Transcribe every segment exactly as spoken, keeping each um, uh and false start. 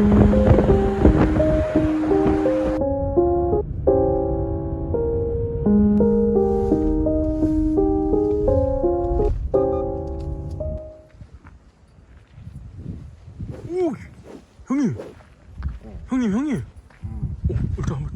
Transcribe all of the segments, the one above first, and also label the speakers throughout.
Speaker 1: 오, 형님, 어. 형님, 형님. 음. 오, 일단 한번.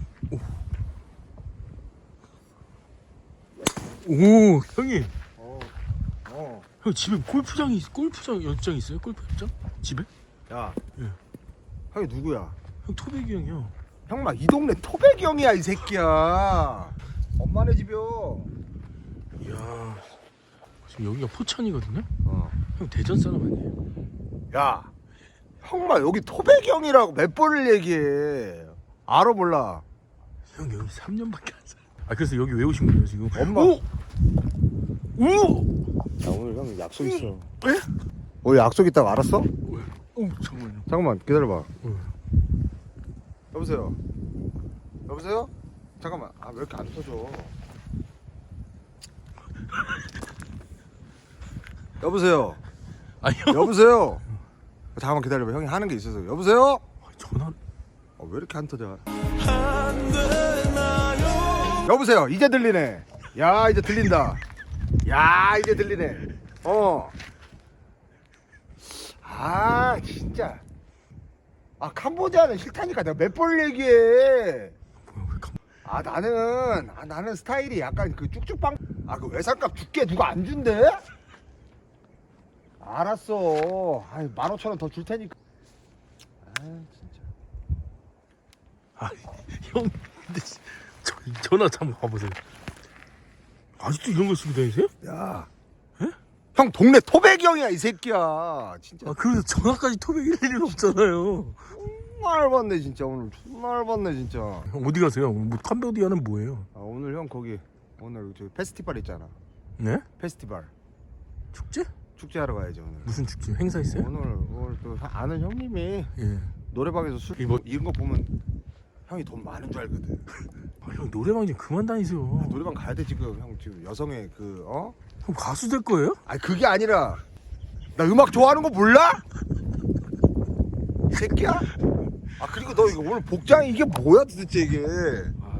Speaker 1: 오, 오, 형님.
Speaker 2: 어, 어.
Speaker 1: 형 집에 골프장이 골프장 연장 있어요? 골프 연장? 집에?
Speaker 2: 야,
Speaker 1: 예.
Speaker 2: 형이 누구야?
Speaker 1: 형 토백이 형이요.
Speaker 2: 형 막 이 동네 토백이 형이야 이 새끼야. 엄마네 집이요.
Speaker 1: 이야, 지금 여기가 포천이거든요.
Speaker 2: 어.
Speaker 1: 형 대전 사람 아니에요?
Speaker 2: 야, 형마 여기 토백이 형이라고 몇 번을 얘기해. 알아 몰라?
Speaker 1: 형 여기 삼 년밖에 안 살아. 아 그래서 여기 왜 오신 거예요 지금?
Speaker 2: 엄마.
Speaker 1: 오! 오!
Speaker 2: 야 오늘 형 약속 있어.
Speaker 1: 에?
Speaker 2: 오늘 약속 있다고 알았어?
Speaker 1: 왜? 오 잠깐만요.
Speaker 2: 잠깐만 기다려봐.
Speaker 1: 응.
Speaker 2: 여보세요. 여보세요? 잠깐만. 아 왜 이렇게 안 터져? 여보세요.
Speaker 1: 아 형.
Speaker 2: 여보세요. 잠깐만 기다려봐. 형이 하는 게 있어서. 여보세요?
Speaker 1: 전화.
Speaker 2: 아, 왜 이렇게 안 터져? 여보세요. 이제 들리네. 야 이제 들린다. 야 이제 들리네. 어. 아 진짜. 아 캄보디아는 싫다니까 내가 몇 번 얘기해.
Speaker 1: 뭐야 왜 감...
Speaker 2: 아 나는 아 나는 스타일이 약간 그 쭉쭉빵. 아 그 외상값 줄게 누가 안 준대? 알았어. 아이 만 오천 원 더 줄 테니까. 아 진짜.
Speaker 1: 아 형 근데 저, 전화 한번 봐보세요. 아직도 이런 걸 쓰고 다니세요?
Speaker 2: 야.
Speaker 1: 에?
Speaker 2: 형 동네 토백이 형이야 이 새끼야. 진짜.
Speaker 1: 아 그래서 전화까지 토백일 일은 없잖아요.
Speaker 2: 정말 받네 진짜 오늘 정말 받네 진짜.
Speaker 1: 형 어디 가세요? 뭐 캄보디아는 뭐예요?
Speaker 2: 아 오늘 형 거기 오늘 저 페스티벌 있잖아.
Speaker 1: 네?
Speaker 2: 페스티벌
Speaker 1: 축제?
Speaker 2: 축제하러 가야지 오늘.
Speaker 1: 무슨 축제? 행사 있어요?
Speaker 2: 오늘 오늘 또 아는 형님이
Speaker 1: 예.
Speaker 2: 노래방에서 술
Speaker 1: 이거-
Speaker 2: 이런 거 보면 형이 돈 많은 줄 알거든.
Speaker 1: 아, 형 노래방 좀 그만 다니세요.
Speaker 2: 아, 노래방 가야 돼 지금 형 지금 여성의 그 어?
Speaker 1: 형 가수 될 거예요?
Speaker 2: 아니 그게 아니라 나 음악 좋아하는 거 몰라? 이 새끼야? 아 그리고 너 이거 오늘 복장이 이게 뭐야 도대체 이게?
Speaker 1: 아,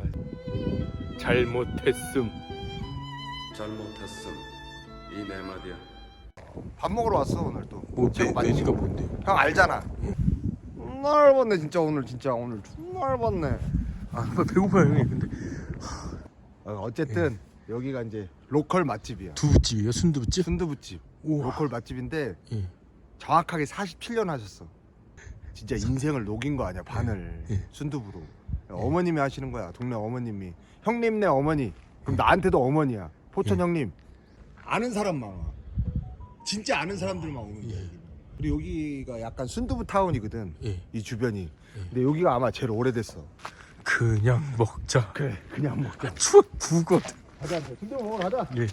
Speaker 1: 잘못했음.
Speaker 3: 잘못했음 이 네 마디야.
Speaker 2: 밥 먹으러 왔어 오늘 또.
Speaker 1: 뭐
Speaker 2: 제목
Speaker 1: 메,
Speaker 2: 맞지?
Speaker 1: 메뉴가 뭔데요?
Speaker 2: 형 알잖아. 존나 열받네 진짜 오늘 진짜 오늘 존나 열받네.
Speaker 1: 아 배고파요 형님. 근데
Speaker 2: 어, 어쨌든 여기가 이제 로컬 맛집이야.
Speaker 1: 두부집이에요? 순두부집?
Speaker 2: 순두부집.
Speaker 1: 우와.
Speaker 2: 로컬 맛집인데
Speaker 1: 예.
Speaker 2: 정확하게 사십칠 년 하셨어. 진짜 인생을 녹인 거 아니야 반을.
Speaker 1: 예.
Speaker 2: 순두부로. 어머님이 하시는 거야 동네 어머님이. 형님네 어머니. 그럼 나한테도 어머니야. 포천
Speaker 1: 예.
Speaker 2: 형님. 아는 사람만 와. 진짜 아는 사람들만 오는 거야.
Speaker 1: 예.
Speaker 2: 여기는. 그리고 여기가 약간 순두부 타운이거든.
Speaker 1: 예.
Speaker 2: 이 주변이. 근데 여기가 아마 제일 오래됐어.
Speaker 1: 그냥 먹자.
Speaker 2: 그래 그냥 먹자.
Speaker 1: 추억 구거든.
Speaker 2: 가자 순두부 먹으러 가자.
Speaker 1: 예.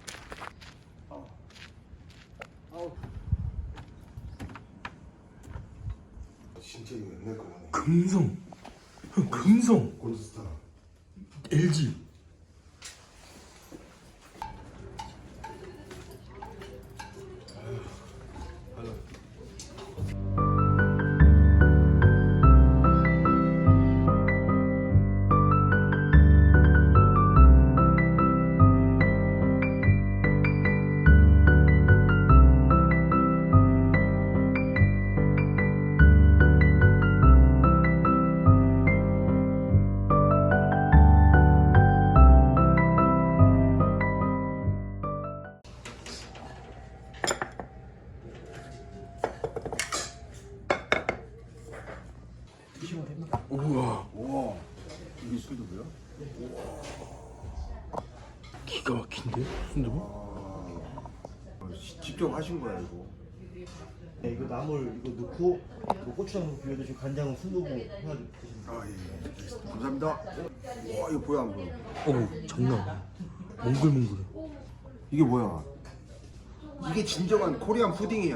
Speaker 2: 진짜 이거 옛날 거네.
Speaker 1: 금성. 형 금성.
Speaker 2: 골드스타.
Speaker 1: 엘지. 우와.
Speaker 2: 우와. 이게 순두부야?
Speaker 1: 기가 막힌데 순두부?
Speaker 2: 어, 시- 직접 하신 거야 이거.
Speaker 4: 네, 이거 나물 이거 넣고 이거 고추장 비벼 드시고 간장은 순두부 해가지고 드시면
Speaker 2: 아 예. 알겠습니다. 감사합니다. 와 이거 보여 안 보여?
Speaker 1: 어 장난 아니야. 몽글몽글해.
Speaker 2: 이게 뭐야? 이게 진정한 코리안 푸딩이야.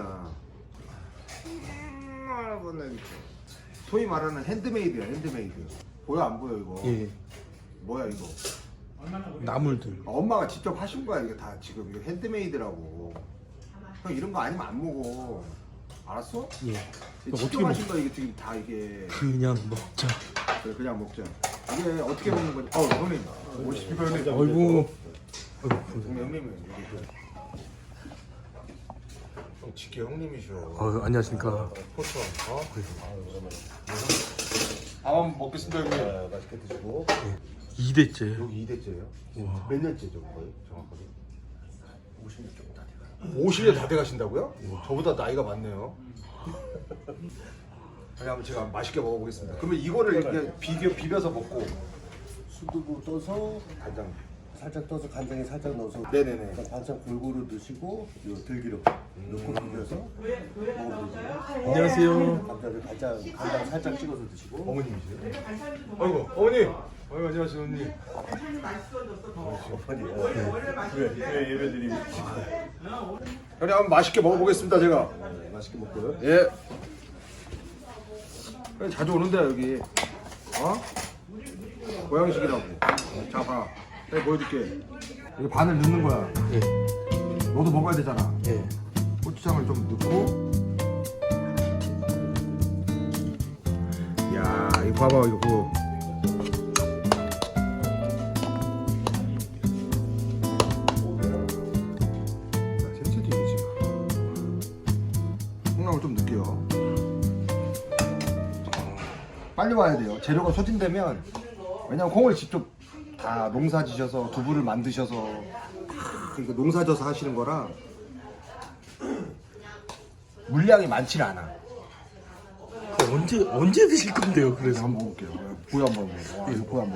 Speaker 2: 아, 이거는 소위 말하는 핸드메이드야 핸드메이드. 보여 안 보여 이거?
Speaker 1: 예.
Speaker 2: 뭐야 이거?
Speaker 1: 나물들.
Speaker 2: 아, 엄마가 직접 하신 거야 이게 다 지금 이거 핸드메이드라고. 형 이런 거 아니면 안 먹어. 알았어?
Speaker 1: 예. 어떻게
Speaker 2: 어떻게 마신 거 이게 지금 다 이게
Speaker 1: 그냥 먹자.
Speaker 2: 그래, 그냥 먹자. 이게 어떻게 먹는 거지? 어 형님 오십시오 형님.
Speaker 1: 아이고. 아이고.
Speaker 2: 형님 형님은 여기 형 지켜 형님이셔.
Speaker 1: 어, 안녕하십니까.
Speaker 2: 포천 어? 아 먹겠습니다 형님.
Speaker 4: 아, 맛있게 드시고.
Speaker 1: 이 대째.
Speaker 2: 여기 이 대째예요?
Speaker 1: 와.
Speaker 2: 몇 년째죠 거의 정확하게?
Speaker 4: 오십 년 조금 다 돼가요.
Speaker 2: 오십 년 다 돼가신다고요? 저보다 나이가 많네요. 아니 한번 제가 맛있게 먹어보겠습니다. 그러면 이거를 이렇게 비벼 비벼서 먹고
Speaker 4: 수두부 떠서
Speaker 2: 간장.
Speaker 4: 살짝 떠서 간장에 살짝 넣어서
Speaker 2: 네네네.
Speaker 4: 그러니까 반찬 골고루 넣으시고 요 들기름 넣고 비벼서 먹으면 되죠.
Speaker 1: 안녕하세요.
Speaker 4: 감자를 간장 간장 살짝 찍어서 드시고.
Speaker 2: 어머님이세요? 아이고 어머님. 아이고 안녕하세요 어머님.
Speaker 4: 어머니. 그래 그래 예배드리고.
Speaker 2: 형님 한번 맛있게 먹어보겠습니다 제가.
Speaker 4: 네, 맛있게 먹고요.
Speaker 2: 예. 그냥 자주 오는데 여기. 어? 고양식이라고. 자 봐. 내가 보여줄게. 여기 반을 넣는 거야.
Speaker 1: 예.
Speaker 2: 너도 먹어야 되잖아.
Speaker 1: 예.
Speaker 2: 고추장을 좀 넣고. 야 이거 봐봐 이거 뭐. 세체도 이지. 콩나물 좀 넣을게요. 빨리 와야 돼요. 재료가 소진되면 왜냐면 콩을 직접 다 농사지셔서 두부를 만드셔서 그러니까 농사져서 하시는 거라 물량이 많지 않아.
Speaker 1: 언제 언제 드실 건데요? 그래서
Speaker 2: 한번 먹어볼게요. 보여 한번 먹어. 와, 이거 보여 한번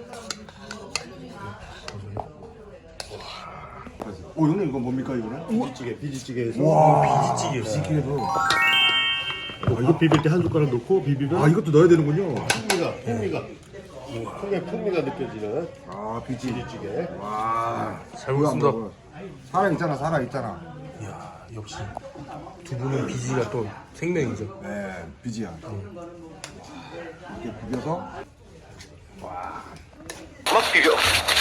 Speaker 2: 먹어. 오 형님 이거 뭡니까 이거는?
Speaker 4: 비지찌개 비지찌개에서.
Speaker 2: 와
Speaker 1: 비지찌개요.
Speaker 2: 비지찌개도.
Speaker 4: 아, 이거 비빌 때 한 숟가락 넣고 비비면
Speaker 2: 아 이것도 넣어야 되는군요.
Speaker 4: 풍미가 풍미가 콩의 풍미가 느껴지는
Speaker 2: 아 비지.
Speaker 4: 비지찌개.
Speaker 2: 와.
Speaker 1: 잘 먹습니다.
Speaker 2: 살아 있잖아 살아 있잖아.
Speaker 1: 이야, 역시 두부는 비지가 또 생명이죠.
Speaker 2: 네 비지야. 이렇게 비벼서.
Speaker 5: 막 비벼.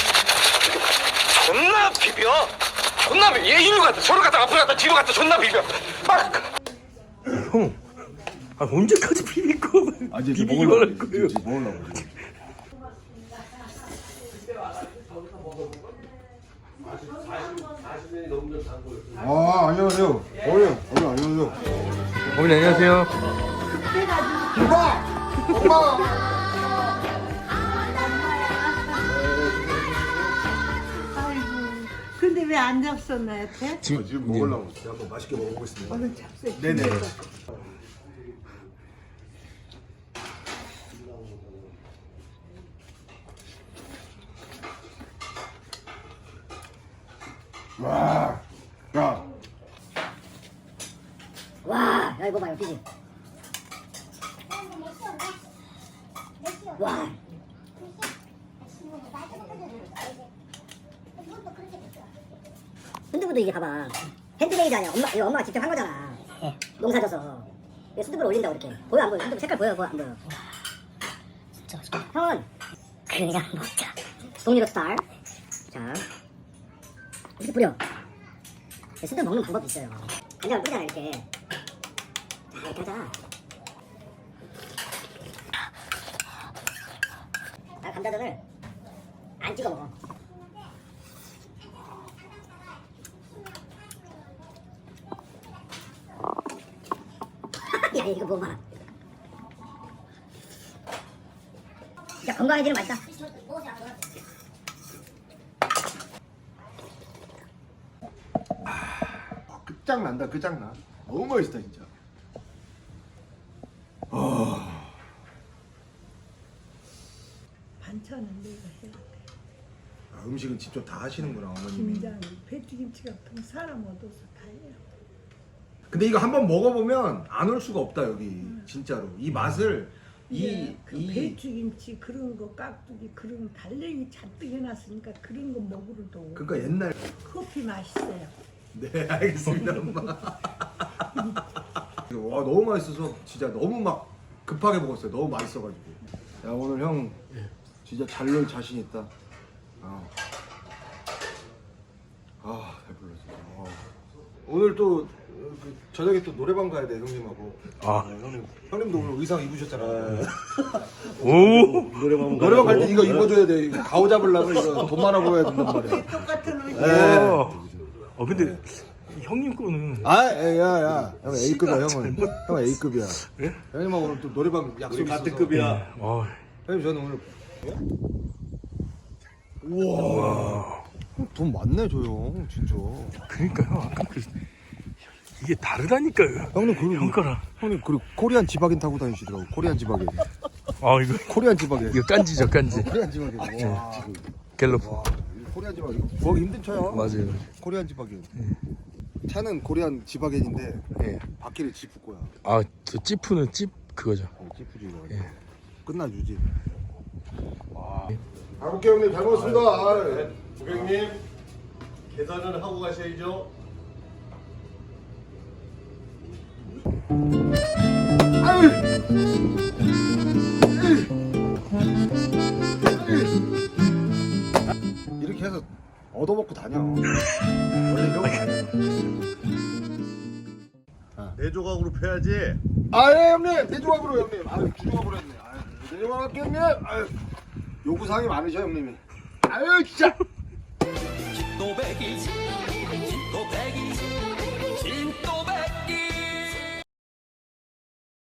Speaker 5: 존나 비벼. 존나 비벼. 얘 이리 갔다 저리 갔다 앞으로 갔다 뒤로 갔다 존나 비벼. 막.
Speaker 1: 형, 아, 언제까지 비빌 거?
Speaker 2: 아 이제
Speaker 1: 비비기만
Speaker 2: 먹으려고
Speaker 1: 할 거예요.
Speaker 2: 이제 먹으려고. 이제. 아 안녕하세요. 어머니 어머니 안녕하세요.
Speaker 1: 어머니 안녕하세요.
Speaker 2: 엄마 엄마.
Speaker 6: 아이고, 근데 왜 안 잡숴 나한테?
Speaker 2: 지금 지금 먹으려고 제가 한번 맛있게 먹어보겠습니다.
Speaker 6: 오늘 잡숴.
Speaker 2: 네네. 와, 야,
Speaker 7: 와, 야 이거 봐요, 비지. 와. 순두부도 이게 봐봐. 핸드메이드 아니야. 엄마, 이거 엄마가 직접 한 거잖아. 농사져서. 이거 순두부를 올린다고 이렇게. 보여 안 보여? 순두부 색깔 보여, 보여 안 보여? 진짜 맛있다. 형은 그냥 먹자. 동리로 스타일. 자, 이렇게 뿌려. 순두부 먹는 방법이 있어요. 간장을 뿌리잖아 이렇게. 자, 이렇게 하잖아. 나 감자전을 안 찍어 먹어. 야 이거 먹어봐. 진짜 건강해지는 맛이다.
Speaker 2: 아, 끝장난다, 끝장나. 너무 맛있다 진짜.
Speaker 6: 반찬은 내가 해.
Speaker 2: 아, 음식은 직접 다 하시는구나 어머님이.
Speaker 6: 김장, 배추김치 같은 사람 얻어서 다 해요.
Speaker 2: 근데 이거 한번 먹어보면 안 올 수가 없다 여기 진짜로 이 맛을 이
Speaker 6: 예, 그
Speaker 2: 이
Speaker 6: 배추김치 그런 거 깍두기 그런 거 달래기 잔뜩 해놨으니까 그런 거 먹으러도
Speaker 2: 그러니까 옛날.
Speaker 6: 커피 맛있어요.
Speaker 2: 네 알겠습니다 엄마. 와 너무 맛있어서 진짜 너무 막 급하게 먹었어요. 너무 맛있어가지고. 야 오늘 형 진짜 잘 놀 자신 있다. 아, 아 배불러 진짜. 아. 오늘 또 그, 저녁에 또 노래방 가야 돼 형님하고.
Speaker 1: 아.
Speaker 2: 어, 형님 형님도 오늘 의상 입으셨잖아요.
Speaker 1: 오.
Speaker 4: 노래방
Speaker 2: 노래방 갈 때 이거 입어줘야 돼. 이거 가오 잡으려면 이거 돈 많아 보여야 된단 말이야.
Speaker 6: 똑같은 옷이.
Speaker 1: 어. 어 근데 형님 거는
Speaker 2: 아, 야야, 형 A급이야 형은. 형 A급이야.
Speaker 1: 예?
Speaker 2: 형님하고 오늘 또 노래방 약속 있어서.
Speaker 4: 같은 급이야.
Speaker 1: 어.
Speaker 2: 형님 저는 오늘. 우와. 돈 많네 저 형, 진짜.
Speaker 1: 그러니까요. 아까 그 이게 다르다니까요.
Speaker 2: 형님 그리고
Speaker 1: 형 거랑.
Speaker 2: 형님 그리고 코리안 지바겐 타고 다니시더라고. 코리안 지바겐.
Speaker 1: 아 이거
Speaker 2: 코리안 지바겐.
Speaker 1: 이거 깐지죠 깐지.
Speaker 2: 코리안 지바겐. 와.
Speaker 1: 갤럽.
Speaker 2: 와. 코리안 지바겐. 이거 구하기 힘든 차야.
Speaker 1: 맞아요.
Speaker 2: 코리안 지바겐. 차는 코리안 지바겐인데
Speaker 1: 예.
Speaker 2: 바퀴를 지프 거야.
Speaker 1: 아저 찌푸는 찌 그거죠.
Speaker 2: 어, 지프지 이거.
Speaker 1: 예.
Speaker 2: 끝나주지. 와. 가볼게 형님 잘 먹었습니다. 아,
Speaker 4: 고객님 계산은 하고 가셔야죠.
Speaker 2: 이렇게 해서 얻어먹고 다녀. 원래 이런 거 아니야.
Speaker 4: 네 조각으로 패야지.
Speaker 2: 아, 예, 형님. 네 조각으로 형님. 아유, 두 조각으로 했네. 아유, 네 조각 할게 형님. 아유, 요구사항이 많으셔 형님이. 아유, 진짜.
Speaker 8: 집도 백일 집도 백일